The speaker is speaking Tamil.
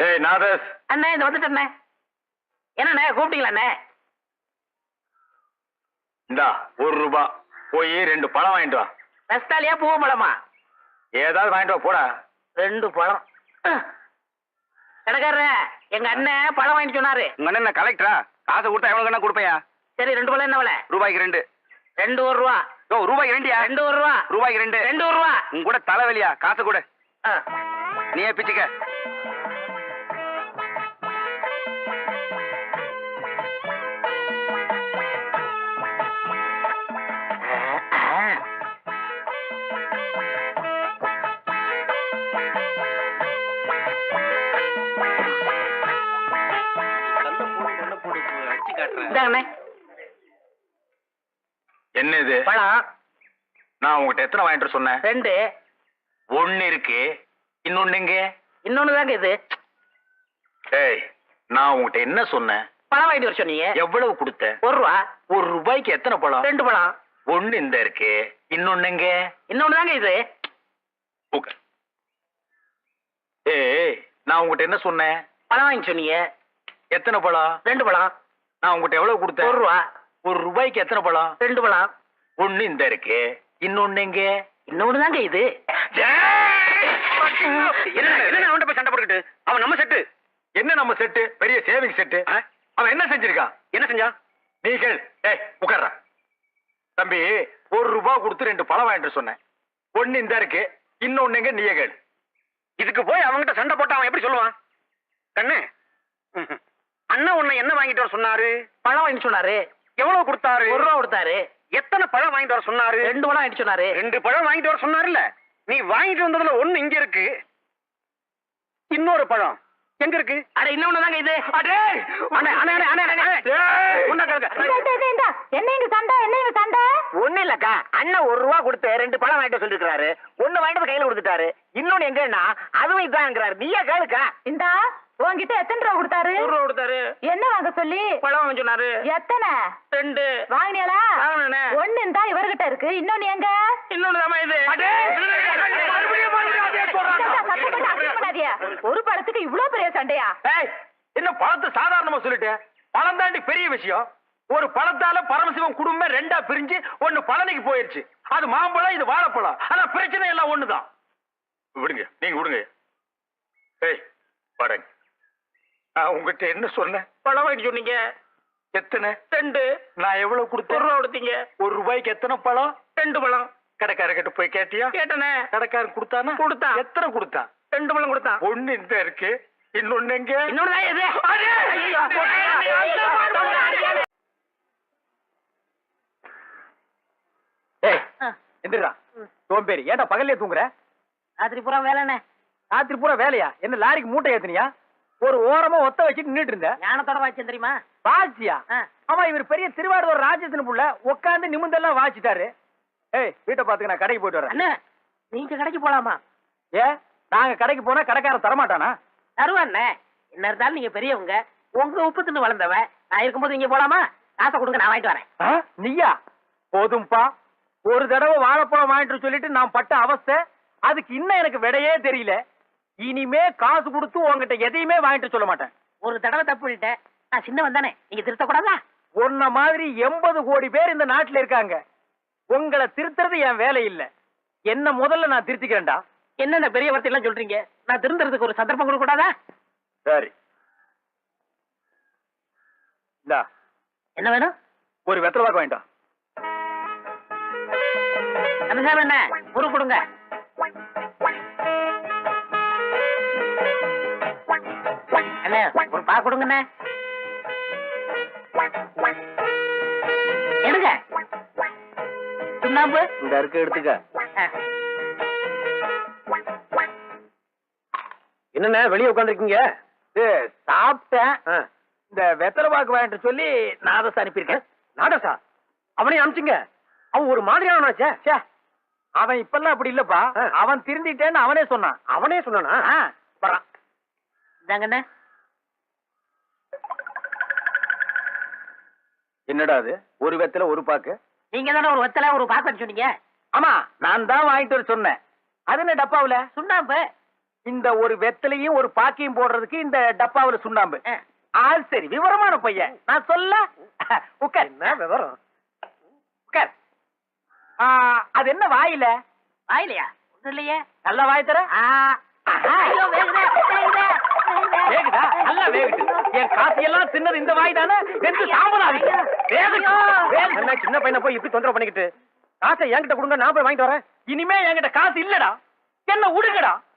ஏய் நாதஸ் அண்ணே இந்த வந்துட்டேண்ணே. என்னண்ணே கூப்பிட்டீங்களா அண்ணே? இந்தா ₹1 போய் 2 பழம் வாங்கிட்டு வா. ரஸ்தாலியா பூவ பழமா? ஏதாவது வாங்கிட்டு வா போடா. 2 பழம். கடைக்காரர எங்க அண்ணன் பழம் வாங்கிட்டு சொன்னாரு. உங்க அண்ணன் கலெக்டரா? காசு கொடுத்தா எவ்வளவு கண்ணா கொடுப்பையா? சரி 2 பழம் என்ன விலை? ரூபாய்க்கு 2. 2 ரூபா. ஓ ரூபாய்க்கு 2யா? 2 ரூபா. ரூபாய்க்கு 2. 2 ரூபா. உங்க கூட தலைவலியா? காசு கொடு. நீயே பிச்சுக்க. என்ன இது பழம்? நான் உங்ககிட்ட எத்தனை வாங்கிட்டு சொன்னேன்? 2. 1 இருக்கு, இன்னொன்னு எங்க? இன்னொன்னு தாங்க இது. ஏய் நான் உங்ககிட்ட என்ன சொன்னேன்? பழம் வாங்கிட்டு வர சொன்னீங்க. எவ்வளவு கொடுத்த? 1 ரூபா. ₹1 எத்தனை பழம்? 2 பழம். 1 இந்த இருக்கு, இன்னொன்னு எங்க? இன்னொன்னு தாங்க இது. ஏய் நான் உங்ககிட்ட என்ன சொன்னேன்? பழம் வாங்கி சொன்னீங்க. எத்தனை பழம்? 2 பழம். நான் உங்ககிட்ட எவ்வளவு கொடுத்தேன்? 1 ரூபா. ₹1 எத்தனை பழம்? 2 பழம். 1 இந்த இருக்கு, இன்னொன்னு எங்க? இன்னொன்னு தாங்க இது. என்ன அவன்கிட்ட போய் சண்டை போட்டுக்கிட்டு? அவன் நம்ம செட்டு. என்ன நம்ம செட்டு? பெரிய சேவிங் செட்டு. அவன் என்ன செஞ்சிருக்கான்? என்ன செஞ்சான்? நீ கேள். ஏய் உட்கார்றா. தம்பி ₹1 கொடுத்து 2 பழம் வாங்கிட்டு சொன்னேன். 1 இந்த இருக்கு, இன்னொன்னு எங்க? நீயே கேள். இதுக்கு போய் அவன்கிட்ட சண்டை போட்டு அவன் எப்படி சொல்லுவான்? கண்ணு அண்ணா உன்னை என்ன வாங்கிட்டு வர சொன்னாரு? பழம் வாங்கி சொன்னாரு. எவ்வளவு கொடுத்தாரு? 1 ரூபா கொடுத்தாரு. எத்தனை பழம் வாங்கிட்டு வர சொன்னாரு? 2 பழம் வாங்கிட்டு சொன்னாரு. 2 பழம் வாங்கிட்டு வர சொன்னாருல்ல. நீ வாங்கிட்டு வந்ததுல 1 இங்க இருக்கு, இன்னொரு பழம் எங்க இருக்கு? அட இன்னொன்னு தாங்க இது. அடே அண்ணே அண்ணே அண்ணே அண்ணே என்ன இங்க சண்டை? என்ன இங்க சண்டை? ஒண்ணு இல்லக்கா, அண்ணன் 1 ரூபா கொடுத்து 2 பழம் வாங்கிட்டு சொல்லிருக்காரு. 1 வாங்கிட்டு கையில கொடுத்துட்டாரு, இன்னொன்னு எங்கன்னா அதுவும் இதாங்கிறாரு. நீயே கேளுக்கா. இந்தா உன்கிட்ட எத்தனை ரூபா கொடுத்தாரு? 1 ரூபா கொடுத்தாரு. என்ன வாங்க சொல்லி? பழம் வாங்க சொன்னாரு. எத்தனை? 2. வாங்கினியாளா? வாங்கினேன். 1 இந்தா இவர்கிட்ட இருக்கு, இன்னொன்னு எங்க? இன்னொன்னு தாமா இது. ஒரு பழத்துக்கு இவ்வளவு பெரிய சண்டையா? என்ன பழத்தை சாதாரணமா சொல்லிட்டேன்? பழம் தாண்டி பெரிய விஷயம். ஒரு பழத்தால பரமசிவம் குடும்பம் 2ஆ பிரிஞ்சு 1 பழனிக்கு போயிருச்சு. அது மாம்பழம், இது வாழைப்பழம். ஆனா பிரச்சனை எல்லாம் ஒண்ணுதான். விடுங்க, நீங்க விடுங்க. ஏய் படங்க, நான் உங்ககிட்ட என்ன சொன்னேன்? பழம் வாங்கி சொன்னீங்க. எத்தனை? 2. நான் எவ்வளவு கொடுத்தேன்? 1 ரூபா கொடுத்தீங்க. ₹1 எத்தனை பழம்? 2 பழம். கடைக்காரர்கிட்ட போய் கேட்டியா? கேட்டனே. கடைக்காரன் கொடுத்தானா? கொடுத்தான். எத்தனை கொடுத்தான்? 2 பழம் கொடுத்தான். 1 இந்த இருக்கு, இன்னொன்னு எங்க? இன்னொன்னு தான் இது. எந்திரா சோம்பேறி, ஏன்டா பகல்லே தூங்குற? ராத்திரி பூரா வேலைண்ணே. ராத்திரி பூரா வேலையா? என்ன லாரிக்கு மூட்டை ஏத்துனியா? ஒரு ஓரமா ஒத்த வச்சுட்டு நின்னுட்டு இருந்த. ஞானத்தோட வாய்ச்சேன் தெரியுமா? வாச்சியா? ஆமா, இவர் பெரிய திருவாரூர் ராஜ்யத்தின் புள்ள, உட்காந்து நிமிந்தெல்லாம் வாச்சிட்டாரு. ஏய் வீட்டை பாத்துக்க, நான் கடைக்கு போயிட்டு வரேன். அண்ணே நீங்க கடைக்கு போலாமா? ஏ நாங்க கடைக்கு போனா கடைக்காரன் தரமாட்டானா? தருவாண்ணே. என்ன இருந்தாலும் நீங்க பெரியவங்க, உங்க உப்பு தின்னு வளர்ந்தவன். நான் இருக்கும்போது நீங்க போலாமா? காசை கொடுங்க, நான் வாங்கிட்டு வரேன். நீயா? போதும்பா. ஒரு தடவை வாழைப்பழம் வாங்கிட்டு சொல்லிட்டு நான் பட்ட அவஸ்தை, அதுக்கு இன்னும் எனக்கு விடையே தெரியல. இனிமே காசு கொடுத்து உங்ககிட்ட எதையுமே வாங்கிட்டு சொல்ல மாட்டேன். ஒரு தடவை தப்பு பண்ணிட்டேன், நான் சின்னவன் தானே, நீங்க திருத்தக்கூடாதா? உன்ன மாதிரி 80 கோடி பேர் இந்த நாட்டுல இருக்காங்க. உங்களை திருத்துறது என் வேலை இல்ல. என்ன முதல்ல நான் திருத்திக்கிறேன்டா. என்னென்ன பெரிய வார்த்தை எல்லாம் சொல்றீங்க? நான் திருந்துறதுக்கு ஒரு சந்தர்ப்பம் கொடுக்க கூடாதா? சரி இந்தா, என்ன வேணும்? ஒரு வெத்தலை பாக்கு வாங்கிட்டா. கந்தசாமி என்ன ஒரு கொடுங்க. அண்ணே ஒரு பா கொடுங்கண்ணே. எடுங்க. சுண்ணாம்பு இந்த இருக்கு, எடுத்துக்க. என்னண்ணே வெளியே உட்காந்துருக்கீங்க? சாப்பிட்டேன். இந்த வெத்தலை பாக்கு வாங்கிட்டு சொல்லி நாதசா அனுப்பியிருக்கேன். நாதசா? அவனையும் அனுப்பிச்சிங்க. அவன் ஒரு மாதிரியானாச்சே. அவன் இப்பெல்லாம் அப்படி இல்லப்பா. அவன் திருந்திட்டேன்னு அவனே சொன்னான். அவனே சொன்னானா? வரான். இதாங்கண்ணே. என்னடா அது? ஒரு வெத்தலை ஒரு பாக்கு. நீங்க தானே ஒரு வெத்தலை ஒரு பாக்கு சொன்னீங்க. ஆமா, நான் தான் வாங்கிட்டு வர சொன்னேன். அது என்ன டப்பாவுல? சுண்ணாம்பு. இந்த ஒரு வெத்தலையும் ஒரு பாக்கியும் போடுறதுக்கு இந்த டப்பாவுல சுண்ணாம்பு. அது சரி, விவரமான பையன். நான் சொல்ல உட்கார். என்ன விவரம்? உட்கார். அது என்ன வாயில? வாயிலையா? ஒண்ணும் இல்லையே. நல்ல வாய் தர. ஐயோ, வேகுதே, வேகுதே, வேகுதே. வேகுதா? நல்லா வேகுது. என் காசு எல்லாம் தின்னது இந்த வாய் தானே? வெந்து சாம்பலாது. என்ன சின்ன பையனை போய் இப்படி தொந்தரவு பண்ணிக்கிட்டு? காசை என்கிட்ட கொடுங்க, நான் போய் வாங்கிட்டு வரேன். இனிமே என்கிட்ட காசு இல்லடா. என்ன உடுங்கடா.